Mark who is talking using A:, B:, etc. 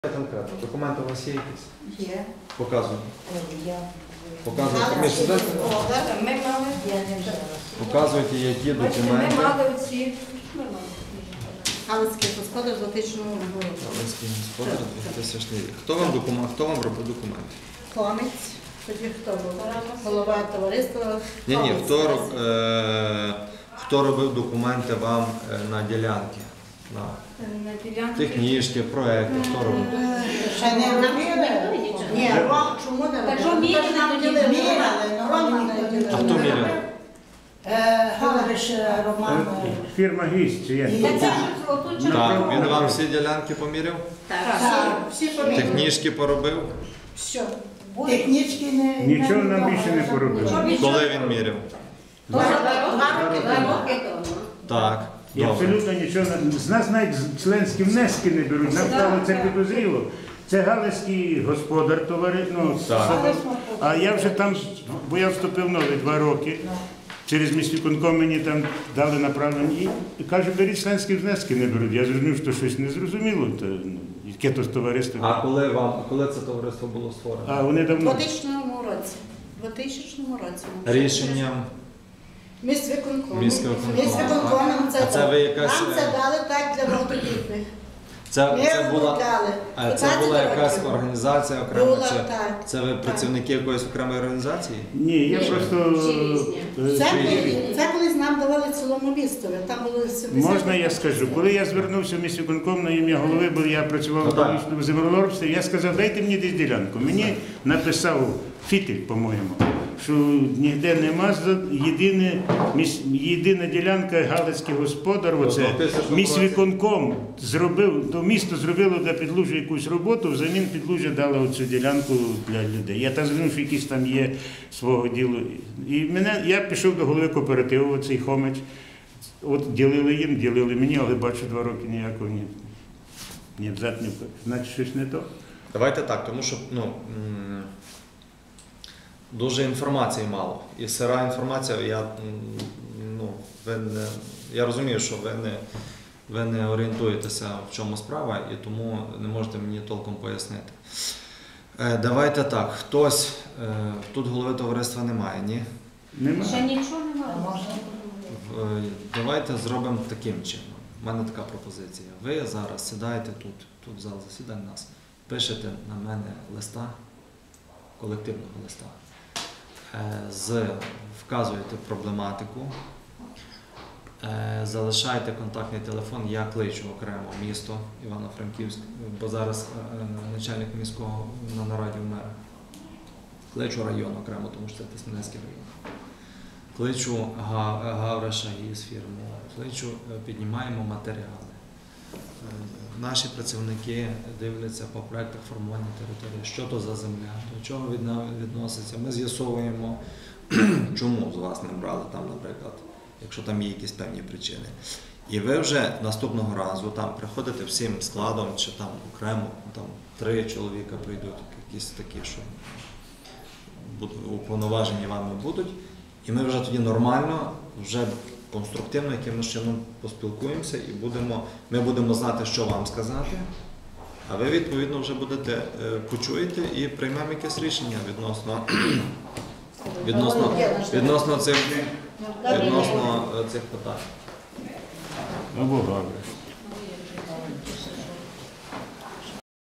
A: Конкретно. Документи у вас є якісь?
B: Є.
A: Показуємо.
B: Я.
A: Показуєте.
B: Ми мали.
A: Показуйте, які
B: Бачите,
A: документи.
B: ми мали оці. Галицький господар з отичного року.
A: Галицький господар 2000 рік. Хто вам робив документи?
B: Комець. Тоді хто був? Голова товариства.
A: Ні,
B: Комець.
A: хто робив документи вам на ділянки?
B: На ділянці.
A: Технічні, проекти, хто робив?
B: Ще не робили? Ні, чому не робили?
C: Так що міряли,
A: А хто міряв?
C: Галариш Роман.
D: Фірма «Гість» чи як?
C: Так це ж отут
A: Так, він вам всі ділянки поміряв?
B: Так, всі поміряли.
A: Технічні поробив?
B: Все.
C: технічки не...
D: Нічого нам більше не поробили.
A: Коли він міряв?
B: 2 роки тому.
A: Так,
D: І
A: добре.
D: абсолютно нічого. З нас навіть членські внески не беруть. Нам стало це підозріло. Це галицький господар
A: Так.
D: А я вже там, бо я вступив нові 2 роки. Через міськвиконком мені там дали направлення і каже, беріть членські внески не беруть. Я зрозумів, що щось незрозуміло, яке то товариство.
A: А коли це товариство було створено?
D: А вони
B: У
D: давно.
B: 2000 році. У 2000 році.
A: Рішенням
B: Міськвиконком.
A: Міськвиконкому.
B: Нам це
A: А це ви якась-
B: Нам це дали так для багатодітних.
A: Це була, це
B: 15
A: була якась
B: років.
A: організація окрема?
B: Була,
A: Чи
B: так.
A: це ви працівники якоїсь окремої організації?
D: Ні, я просто.
B: Це колись нам давали цілому містові. Там було 70.
D: Можна я скажу? Коли я звернувся в міськвиконком на ім'я голови, бо я працював
A: Ну,
D: в
A: так.
D: публічному землеробстві, я сказав, дайте мені десь ділянку. Мені написав Фітель, по-моєму, що ніде нема, єдина ділянка Галицький господар, оце міськвиконком зробив, то місто зробило для Підлужжя якусь роботу, взамін Підлужжя дало оцю ділянку для людей. Я так зрозумів, що якісь там є свого ділу. І я пішов до голови кооперативу, оцей Хомич. От ділили їм, ділили мені, але бачу 2 роки ніякого ні взад, ні вперед. Значить, щось не то.
A: Давайте так, тому що дуже інформації мало. І сира інформація, я розумію, що ви не орієнтуєтеся, в чому справа, і тому не можете мені толком пояснити. Давайте так, хтось, тут голови товариства немає, ні?
D: Нема.
C: Ще нічого немає.
A: Давайте зробимо таким чином. У мене така пропозиція. Ви зараз сідаєте тут в зал засідань нас, пишете на мене листа, колективного листа, вказуєте проблематику, залишаєте контактний телефон, я кличу окремо місто Івано-Франківськ, бо зараз начальник міського на нараді в мера. Кличу район окремо, тому що це Тисменецький район. Кличу Гавриша із фірму, кличу, піднімаємо матеріали. Наші працівники дивляться по проєктах формування території, що то за земля, до чого відноситься. Ми з'ясовуємо, чому з вас не брали там, наприклад, якщо там є якісь певні причини. І ви вже наступного разу там приходите всім складом, чи там окремо, там 3 чоловіка прийдуть, якісь такі, що уповноважені вами будуть. І ми вже тоді нормально, вже конструктивно якимось чином поспілкуємося і ми будемо знати, що вам сказати, а ви, відповідно, вже почуєте і приймемо якесь рішення відносно цих питань.
D: Або Гавриш.